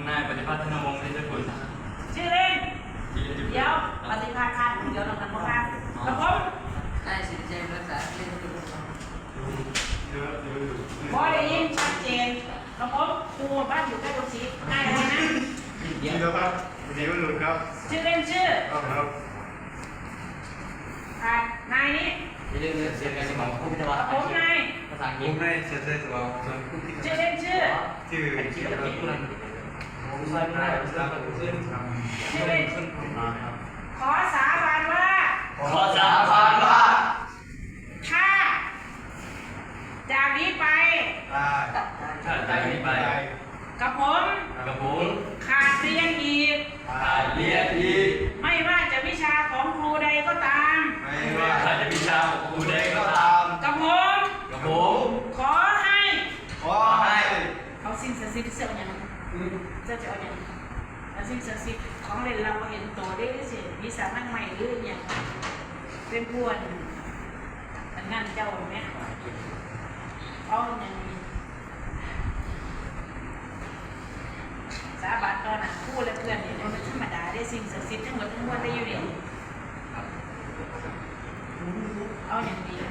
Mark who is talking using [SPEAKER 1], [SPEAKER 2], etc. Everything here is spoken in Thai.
[SPEAKER 1] นายปฏิภาณธนวงศ์เดชกุล
[SPEAKER 2] ชื่อเล่นเดี๋ยวปฏิภาณเดี๋ยวเราทำบ้างครับผม
[SPEAKER 3] ได้สิเจมส์รักษาเล่นดู
[SPEAKER 2] พอได้ยินชัดเจนครับผมครูบ้านอยู่ใกล้ตรงนี้นายอะไรนะ
[SPEAKER 4] ชื่อครับดีวันหลุดครับ
[SPEAKER 2] ชื่อเล่นชื่อ
[SPEAKER 4] ครับ
[SPEAKER 2] นายนี้
[SPEAKER 1] เรื่องเสียงการสมองผู้พิจารณา
[SPEAKER 2] ผมนาย
[SPEAKER 1] ภาษาอังกฤษ
[SPEAKER 4] ผมได้เสียใจสมอง
[SPEAKER 2] ชื่อเล่นชื่อ
[SPEAKER 4] ชื่อ
[SPEAKER 1] คิดอะไรกันผมใช่ไม่ได้ผมจะขึ้น
[SPEAKER 2] ชื่อเล่นขอสาบานว่า
[SPEAKER 1] ขอสาบานว่า
[SPEAKER 2] ถ้าจากนี้ไป
[SPEAKER 1] ถ้าจากนี้ไป
[SPEAKER 2] กับผม ขาดเรียนอีกไม่ว่าจะวิชาของครูใดก็ตาม
[SPEAKER 1] ไม่ว่าจะวิชาของครูใดก็ตาม
[SPEAKER 2] กับผมขอให้เอาสิ่งศักดิ์สิทธิ์เสี่ยวอย่างนั้นจะเอาอย่างนั้นสิ่งศักดิ์สิทธิ์ของเล่นเราเห็นโตได้สิวิสามันใหม่หรืออย่างเป็นพวนงานเจ้าไหมเอาอย่างนี้สาบานตอนนั้นพูดและเพื่อนเนี่ยมันธรรมดาได้สิ่งศักดิ์สิทธิ์ทั้งหมดทั้งมวลได้อยู่เนี่ยเอาอย่างนี้